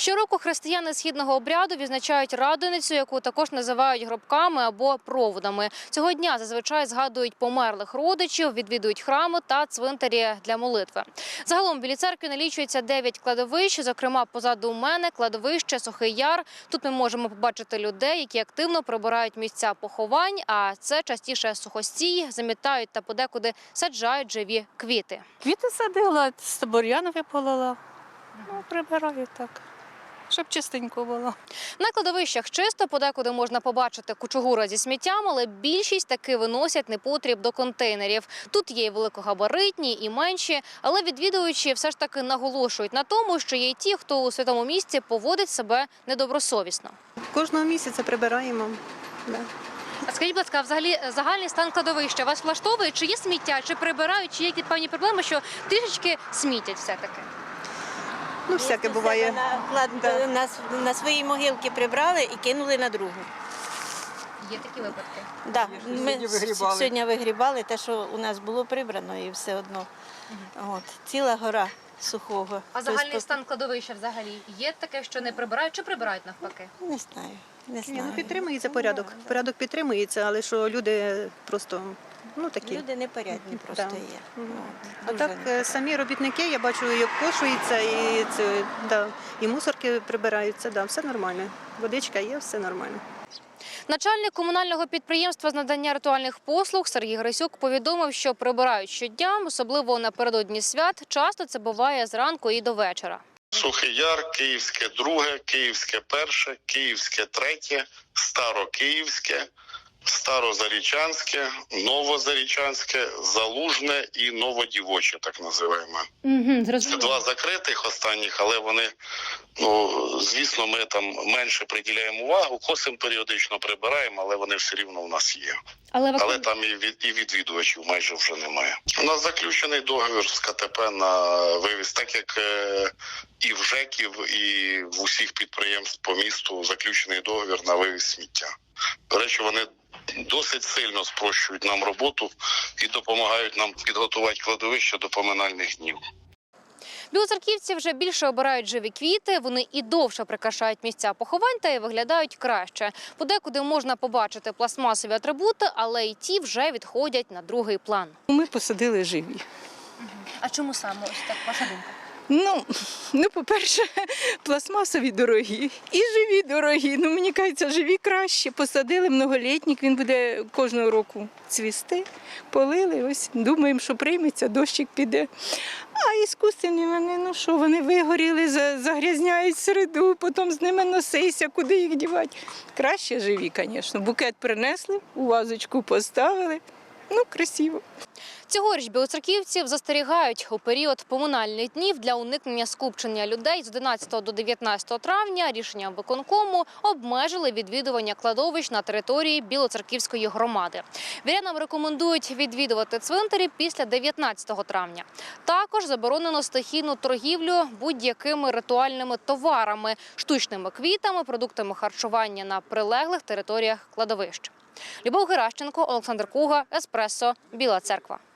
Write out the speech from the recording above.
Щороку християни східного обряду відзначають Радоницю, яку також називають гробками або проводами. Цього дня зазвичай згадують померлих родичів, відвідують храми та цвинтарі для молитви. Загалом в Білій Церкві налічується 9 кладовищ, зокрема позаду мене кладовище Сухий Яр. Тут ми можемо побачити людей, які активно прибирають місця поховань, а це частіше сухостій, замітають та подекуди саджають живі квіти. Квіти садила, бур'ян виполола. Прибираю так, щоб чистенько було. На кладовищах чисто, подекуди можна побачити кучугури зі сміттям, але більшість таки виносять непотріб до контейнерів. Тут є і великогабаритні, і менші, але відвідувачі все ж таки наголошують на тому, що є й ті, хто у святому місці поводить себе недобросовісно. Кожного місяця прибираємо. Да. А скажіть, будь ласка, взагалі загальний стан кладовища вас влаштовує? Чи є сміття, чи прибирають, чи є якісь певні проблеми, що трішечки смітять все-таки? Ну, всяке буває. На свої могилки прибрали і кинули на другу. Є такі випадки? Да. Ми сьогодні вигрібали те, що у нас було прибрано, і все одно. От. Ціла гора сухого. А загальний стан кладовища взагалі є таке, що не прибирають, чи прибирають навпаки? Не знаю. Не Ні, знаю. ну, підтримується порядок. Порядок підтримується, але що люди просто, такі. Люди непорядні просто Да. є. Мгм. От. А Дуже так непорядні. самі робітники, я бачу, як кошуються, і мусорки прибираються, все нормально. Водичка є, все нормально. Начальник комунального підприємства з надання ритуальних послуг Сергій Грисюк повідомив, що прибирають щодня, особливо напередодні свят. Часто це буває зранку і до вечора. Сухий Яр, Київське друге, Київське перше, Київське третє, Старокиївське, Старозарічанське, Новозарічанське, Залужне і Новодівоче, так називаємо. Це два закритих останніх, але вони, звісно, ми там менше приділяємо увагу, косимо періодично, прибираємо, але вони все рівно у нас є. Але там і відвідувачів майже вже немає. У нас заключений договір з КТП на вивіз, так як і в ЖЕКів, і в усіх підприємств по місту заключений договір на вивіз сміття. До речі, вони досить сильно спрощують нам роботу і допомагають нам підготувати кладовище до поминальних днів. Білоцерківці вже більше обирають живі квіти, вони і довше прикрашають місця поховань та й виглядають краще. Подекуди можна побачити пластмасові атрибути, але й ті вже відходять на другий план. Ми посадили живі. А чому саме ось так, ваша думка? По-перше, пластмасові дорогі і живі дорогі. Мені кажеться, живі краще. Посадили многолітнік, він буде кожного року цвісти. Полили, ось думаємо, що прийметься, дощик піде. А іскусственні вони вигоріли, загрязняють середу, потім з ними носися, куди їх дівати. Краще живі, звісно. Букет принесли, у вазочку поставили. Красиво. Цьогоріч білоцерківців застерігають у період поминальних днів для уникнення скупчення людей з 11 до 19 травня рішенням виконкому обмежили відвідування кладовищ на території Білоцерківської громади. Вірянам рекомендують відвідувати цвинтарі після 19 травня. Також заборонено стихійну торгівлю будь-якими ритуальними товарами, штучними квітами, продуктами харчування на прилеглих територіях кладовищ. Любов Геращенко, Олександр Куга, Еспресо, Біла Церква.